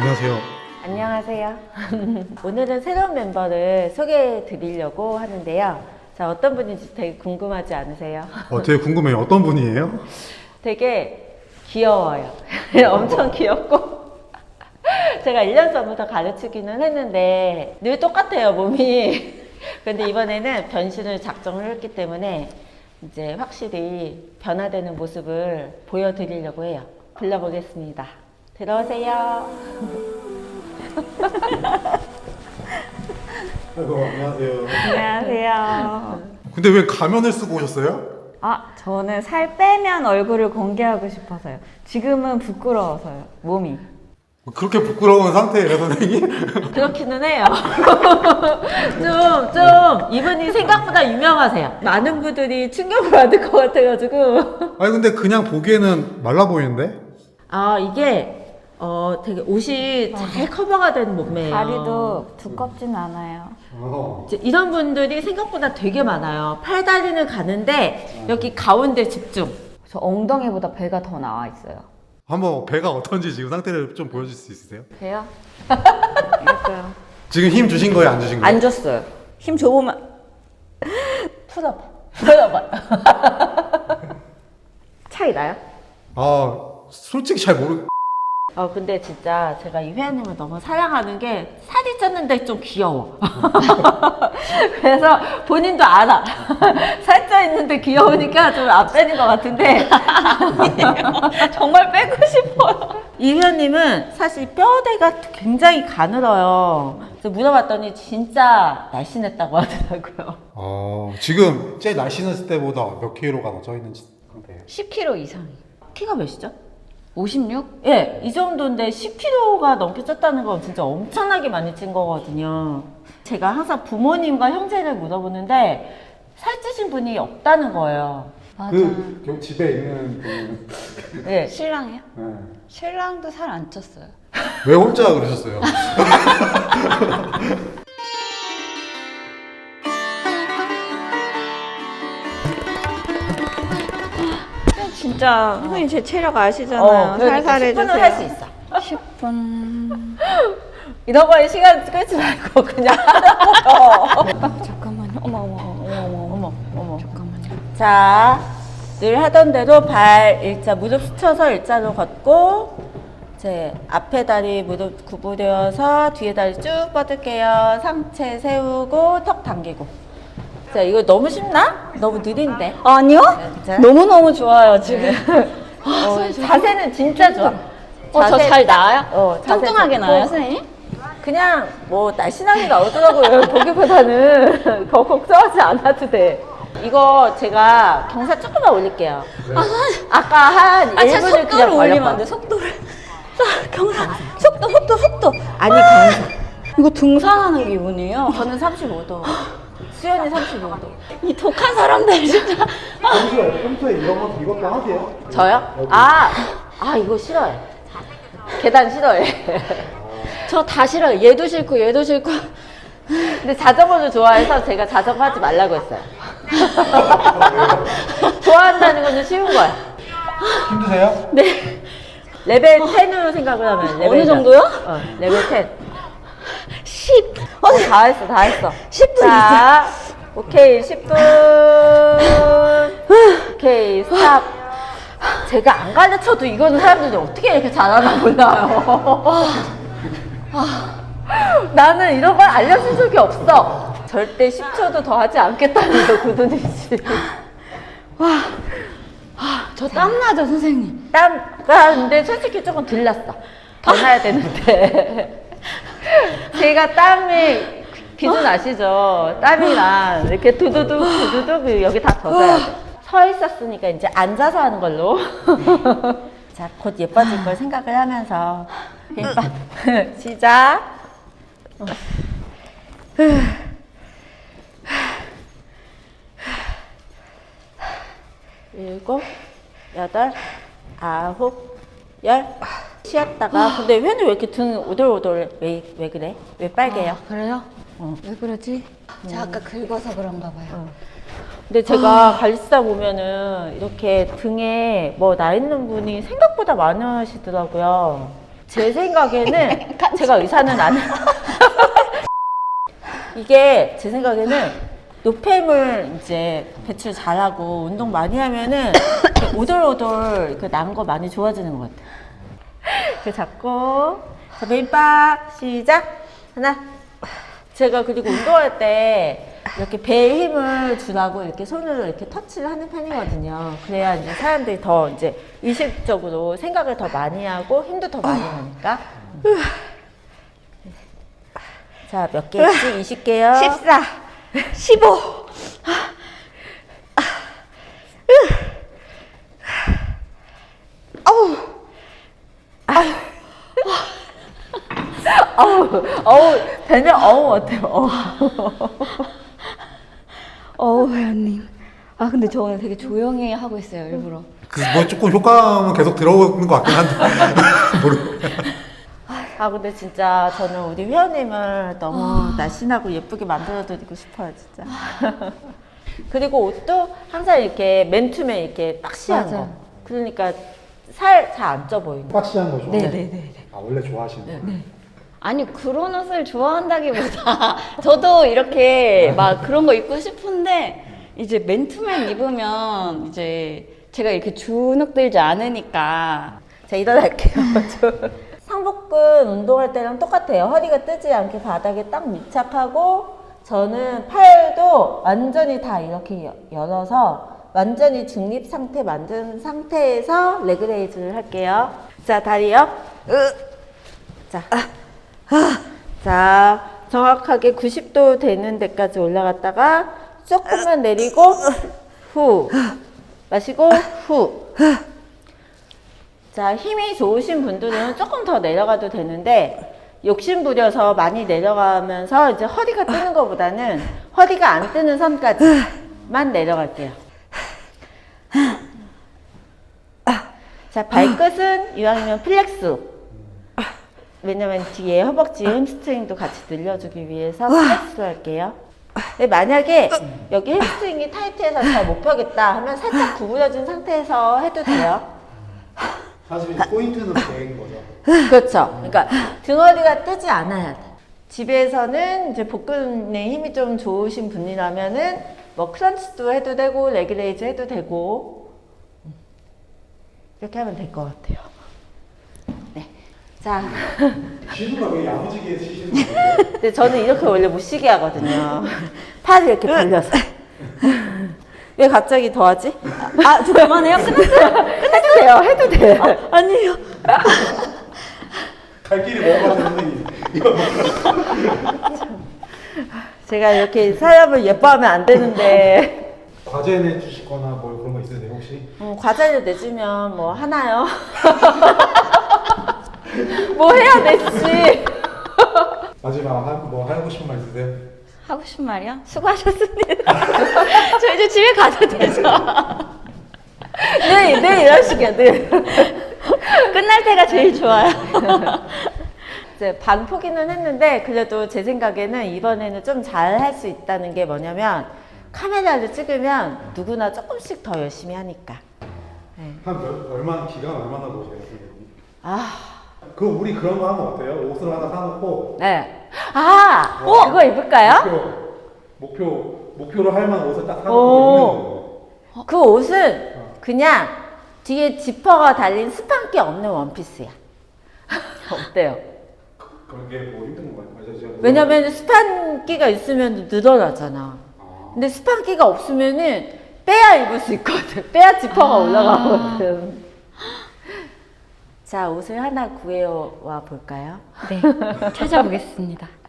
안녕하세요. 안녕하세요. 오늘은 새로운 멤버를 소개해 드리려고 하는데요. 자, 어떤 분인지 되게 궁금하지 않으세요? 되게 궁금해요. 어떤 분이에요? 되게 귀여워요. 엄청 귀엽고 제가 1년 전부터 가르치기는 했는데 늘 똑같아요, 몸이. 근데 이번에는 변신을 작정을 했기 때문에 이제 확실히 변화되는 모습을 보여드리려고 해요. 불러보겠습니다. 들어오세요. 안녕하세요. 안녕하세요. 근데 왜 가면을 쓰고 오셨어요? 저는 살 빼면 얼굴을 공개하고 싶어서요. 지금은 부끄러워서요, 몸이. 그렇게 부끄러운 상태예요, 선생님? 그렇기는 해요. 이분이 생각보다 유명하세요. 많은 분들이 충격을 받을 것 같아가지고. 아니 근데 그냥 보기에는 말라 보이는데? 이게 되게 옷이 잘 커버가 된 몸매예요. 다리도 두껍진 않아요. 이제 이런 분들이 생각보다 되게 많아요. 팔다리는 가는데 여기 가운데 집중. 저 엉덩이보다 배가 더 나와 있어요. 한번 배가 어떤지 지금 상태를 좀 보여줄 수 있으세요? 배요? 이럴까요? 지금 힘 주신 거예요, 안 주신 거예요? 안 줬어요. 힘 줘보면 풀어봐. 차이 나요? 솔직히 잘 모르... 근데 진짜 제가 이 회원님을 너무 사랑하는 게 살이 쪘는데 좀 귀여워. 그래서 본인도 알아. 살쪄 있는데 귀여우니까 좀 안 빼는 것 같은데. 아니에요. 정말 빼고 싶어요. 이 회원님은 사실 뼈대가 굉장히 가늘어요. 그래서 물어봤더니 진짜 날씬했다고 하더라고요. 지금 제일 날씬했을 때보다 몇 킬로가 더 쪄 있는 상태예요? 10kg 이상이. 키가 몇이죠? 56? 예, 이 정도인데 10kg가 넘게 쪘다는 건 진짜 엄청나게 많이 찐 거거든요. 제가 항상 부모님과 형제를 물어보는데 살찌신 분이 없다는 거예요. 맞아. 집에 있는 분은... 예. 신랑이요? 네. 신랑도 살 안 쪘어요. 왜 혼자 그러셨어요? 진짜 선생님 제 체력 아시잖아요. 그러니까 살살 10분은 해주세요. 할 수 있어. 10분. 이런 거에 시간 끌지 말고 그냥 하라고요. 잠깐만요. 어머. 잠깐만요. 자, 늘 하던 대로 발 일자, 무릎 스쳐서 일자로 걷고 제 앞에 다리 무릎 구부려서 뒤에 다리 쭉 뻗을게요. 상체 세우고 턱 당기고. 자, 이거 너무 쉽나? 너무 느린데? 아니요? 진짜? 너무너무 좋아요, 지금. 자세는 진짜 좋아. 저 잘 나와요? 자세 뚱뚱하게 좋고. 나와요, 선생님? 그냥 뭐 날씬하게 나오더라고요. 보기보다는 더 걱정하지 않아도 돼. 이거 제가 경사 조금만 올릴게요. 아까 한 1분을 그냥 속도를 올리면 벌려봐. 안 돼, 속도를. 경사, 속도. 아니 경사. 이거 등산하는 기분이에요. 저는 35도. 수연이 35도. 이 독한 사람들 진짜. 평소에 이것도 하세요? 저요? 이거 싫어해. 계단 싫어해. 저 다 싫어요. 얘도 싫고. 근데 자전거를 좋아해서 제가 자전거 하지 말라고 했어요. 좋아한다는 거는 쉬운 거야. 힘드세요? 네. 레벨 10으로 생각을 하면 레벨 어느 정도요? 레벨 10. 10. 다 했어. 10분 자, 오케이, 10분. 오케이, 스탑. 제가 안 가르쳐도 이거는 사람들이 어떻게 이렇게 잘하나 몰라요. 나는 이런 걸 알려준 적이 없어. 절대 10초도 더 하지 않겠다는 거, 구두니씨. 저 땀나죠, 선생님? 근데 솔직히 조금 들렸어. 더 나야 되는데. 제가 땀이, 기준 아시죠? 땀이랑 이렇게 두두둑 여기 다 젖어야 돼. 서 있었으니까 이제 앉아서 하는 걸로. 자, 곧 예뻐질 걸 생각을 하면서. 시작. 7, 8, 9, 10. 쉬었다가. 근데 회는 왜 이렇게 등 오돌오돌 왜 그래? 왜 빨개요? 그래요? 왜 그러지? 제가 아까 긁어서 그런가 봐요. 근데 제가 갈리스타 보면은 이렇게 등에 뭐 나 있는 분이 생각보다 많으시더라고요. 제 생각에는 제가 의사는 아니 이게 제 생각에는 노폐물 이제 배출 잘하고 운동 많이 하면은 이렇게 오돌오돌 난 거 많이 좋아지는 것 같아요. 이렇게 잡고 자 메인박 시작 하나 제가 그리고 운동할 때 이렇게 배에 힘을 주라고 이렇게 손으로 이렇게 터치를 하는 편이거든요. 그래야 이제 사람들이 더 이제 의식적으로 생각을 더 많이 하고 힘도 더 많이 나니까. 자, 몇 개씩? 20개요? 14, 15. 배는 어때요? 회원님. 아, 근데 저 오늘 되게 조용히 하고 있어요, 일부러. 뭐 조금 효과음은 계속 들어오는 것 같긴 한데 모르. 아 근데 진짜 저는 우리 회원님을 너무 날씬하고 예쁘게 만들어드리고 싶어요 진짜. 그리고 옷도 항상 이렇게 맨투맨 이렇게 박시한 거. 그러니까 살 잘 안 쪄 보이는 거. 박시한 거죠? 네네네. 아 원래 좋아하시는 거. 아니, 그런 옷을 좋아한다기보다 저도 이렇게 막 그런 거 입고 싶은데 이제 맨투맨 입으면 이제 제가 이렇게 주눅 들지 않으니까. 자 일어날게요. 상복근 운동할 때랑 똑같아요. 허리가 뜨지 않게 바닥에 딱 밀착하고 저는 팔도 완전히 다 이렇게 열어서 완전히 중립 상태 만든 상태에서 레그레이즈를 할게요. 자 다리요. 자 정확하게 90도 되는 데까지 올라갔다가 조금만 내리고 후 마시고 후. 자 힘이 좋으신 분들은 조금 더 내려가도 되는데 욕심 부려서 많이 내려가면서 이제 허리가 뜨는 것보다는 허리가 안 뜨는 선까지만 내려갈게요. 자 발끝은 이왕이면 플렉스. 왜냐면 뒤에 허벅지 햄스트링도 같이 늘려주기 위해서 플렉스로 할게요. 근데 만약에 여기 햄스트링이 타이트해서 잘 못 펴겠다 하면 살짝 구부려진 상태에서 해도 돼요. 사실 포인트는 배인 거죠. 그렇죠. 그러니까 등허리가 뜨지 않아야 돼. 집에서는 이제 복근에 힘이 좀 좋으신 분이라면은 뭐 크런치도 해도 되고 레그레이즈 해도 되고 이렇게 하면 될 것 같아요. 네. 자. 쉬는 거 왜 야무지게 쉬시는 거예요? 근데 저는 이렇게 원래 못 쉬게 하거든요. 팔을 이렇게 벌려서. 왜 갑자기 더 하지? 아, 저 그만해요? 끝났어요. 해도 돼요. 해도 돼요. 아니에요. 갈 길이 뭐가 되는 이거 제가 이렇게 사람을 예뻐하면 안 되는데. 과제 내주시거나 뭐 그런 거 있으세요 혹시? 과제를 내주면 뭐 하나요? 뭐 해야 됐지? 마지막 뭐 하고 싶은 말 있으세요? 하고 싶은 말이요? 수고하셨습니다. 저 이제 집에 가도 되죠? 네 이러시게 네. 끝날 때가 제일 좋아요. 이제 반 포기는 했는데 그래도 제 생각에는 이번에는 좀 잘 할 수 있다는 게 뭐냐면 카메라를 찍으면 누구나 조금씩 더 열심히 하니까. 네. 얼마나 기간 얼마나 보세요? 그 우리 그런 거 하면 어때요? 옷을 하나 사놓고 네. 그거 입을까요? 목표로 할 만한 옷을 딱 사놓고 입는 거. 그 옷은 그냥 뒤에 지퍼가 달린 스판기 없는 원피스야. 어때요? 그게 뭐 힘든 거예요? 왜냐면 스판기가 있으면 늘어나잖아. 근데 스판기가 없으면은 빼야 입을 수 있거든. 빼야 지퍼가 올라가거든. 자, 옷을 하나 구해와 볼까요? 네, 찾아보겠습니다.